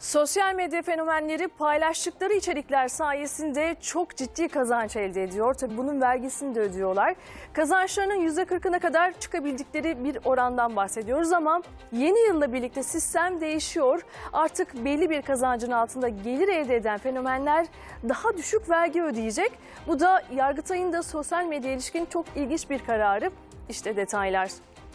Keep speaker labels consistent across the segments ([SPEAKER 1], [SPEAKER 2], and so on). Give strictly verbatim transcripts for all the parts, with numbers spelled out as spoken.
[SPEAKER 1] Sosyal medya fenomenleri paylaştıkları içerikler sayesinde çok ciddi kazanç elde ediyor. Tabii bunun vergisini de ödüyorlar. Kazançlarının yüzde kırkına kadar çıkabildikleri bir orandan bahsediyoruz ama yeni yılla birlikte sistem değişiyor. Artık belli bir kazancın altında gelir elde eden fenomenler daha düşük vergi ödeyecek. Bu da Yargıtay'ın da sosyal medya ilişkin çok ilginç bir kararı. İşte detaylar.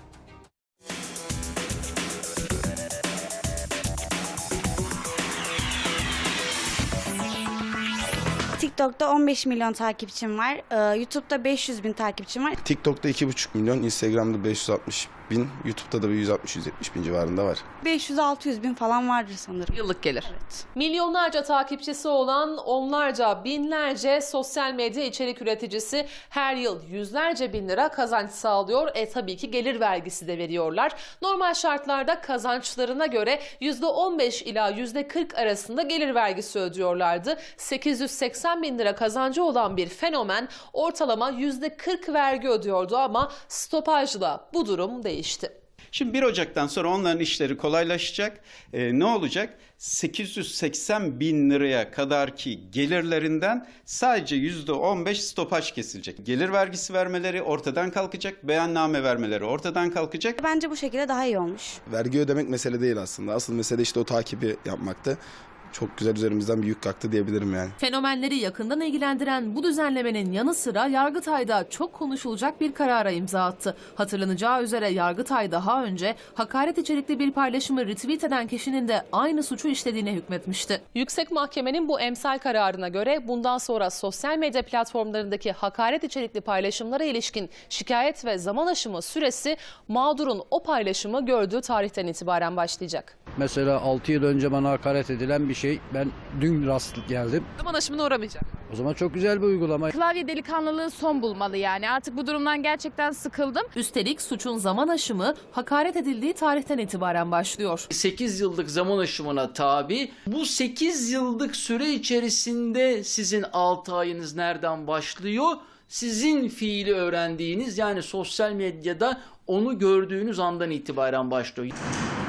[SPEAKER 2] TikTok'ta on beş milyon takipçim var. Ee, YouTube'da beş yüz bin takipçim var.
[SPEAKER 3] TikTok'ta iki buçuk milyon, Instagram'da beş yüz altmış bin, YouTube'da da bir yüz altmış yüz yetmiş bin civarında var.
[SPEAKER 2] beş yüz altı yüz bin falan vardır sanırım.
[SPEAKER 4] Yıllık gelir.
[SPEAKER 2] Evet.
[SPEAKER 5] Milyonlarca takipçisi olan onlarca, binlerce sosyal medya içerik üreticisi her yıl yüzlerce bin lira kazanç sağlıyor. E tabii ki gelir vergisi de veriyorlar. Normal şartlarda kazançlarına göre yüzde on beş ila yüzde kırk arasında gelir vergisi ödüyorlardı. sekiz yüz seksen bin lira kazancı olan bir fenomen ortalama yüzde kırk vergi ödüyordu ama stopajla bu durum değişti.
[SPEAKER 6] Şimdi bir Ocak'tan sonra onların işleri kolaylaşacak. Ee, ne olacak? sekiz yüz seksen bin liraya kadarki gelirlerinden sadece yüzde on beş stopaj kesilecek. Gelir vergisi vermeleri ortadan kalkacak, beyanname vermeleri ortadan kalkacak.
[SPEAKER 2] Bence bu şekilde daha iyi olmuş.
[SPEAKER 3] Vergi ödemek mesele değil aslında. Asıl mesele işte o takibi yapmaktı. Çok güzel üzerimizden bir yük kalktı diyebilirim yani.
[SPEAKER 4] Fenomenleri yakından ilgilendiren bu düzenlemenin yanı sıra Yargıtay'da çok konuşulacak bir karara imza attı. Hatırlanacağı üzere Yargıtay daha önce hakaret içerikli bir paylaşımı retweet eden kişinin de aynı suçu işlediğine hükmetmişti.
[SPEAKER 5] Yüksek Mahkemenin bu emsal kararına göre bundan sonra sosyal medya platformlarındaki hakaret içerikli paylaşımlara ilişkin şikayet ve zaman aşımı süresi mağdurun o paylaşımı gördüğü tarihten itibaren başlayacak.
[SPEAKER 7] Mesela altı yıl önce bana hakaret edilen bir şey, ben dün rast geldim.
[SPEAKER 4] Zaman aşımına uğramayacak.
[SPEAKER 7] O zaman çok güzel bir uygulama.
[SPEAKER 8] Klavye delikanlılığı son bulmalı yani. Artık bu durumdan gerçekten sıkıldım.
[SPEAKER 4] Üstelik suçun zaman aşımı hakaret edildiği tarihten itibaren başlıyor.
[SPEAKER 9] sekiz yıllık zaman aşımına tabi. Bu sekiz yıllık süre içerisinde sizin altı ayınız nereden başlıyor? Sizin fiili öğrendiğiniz, yani sosyal medyada onu gördüğünüz andan itibaren başlıyor.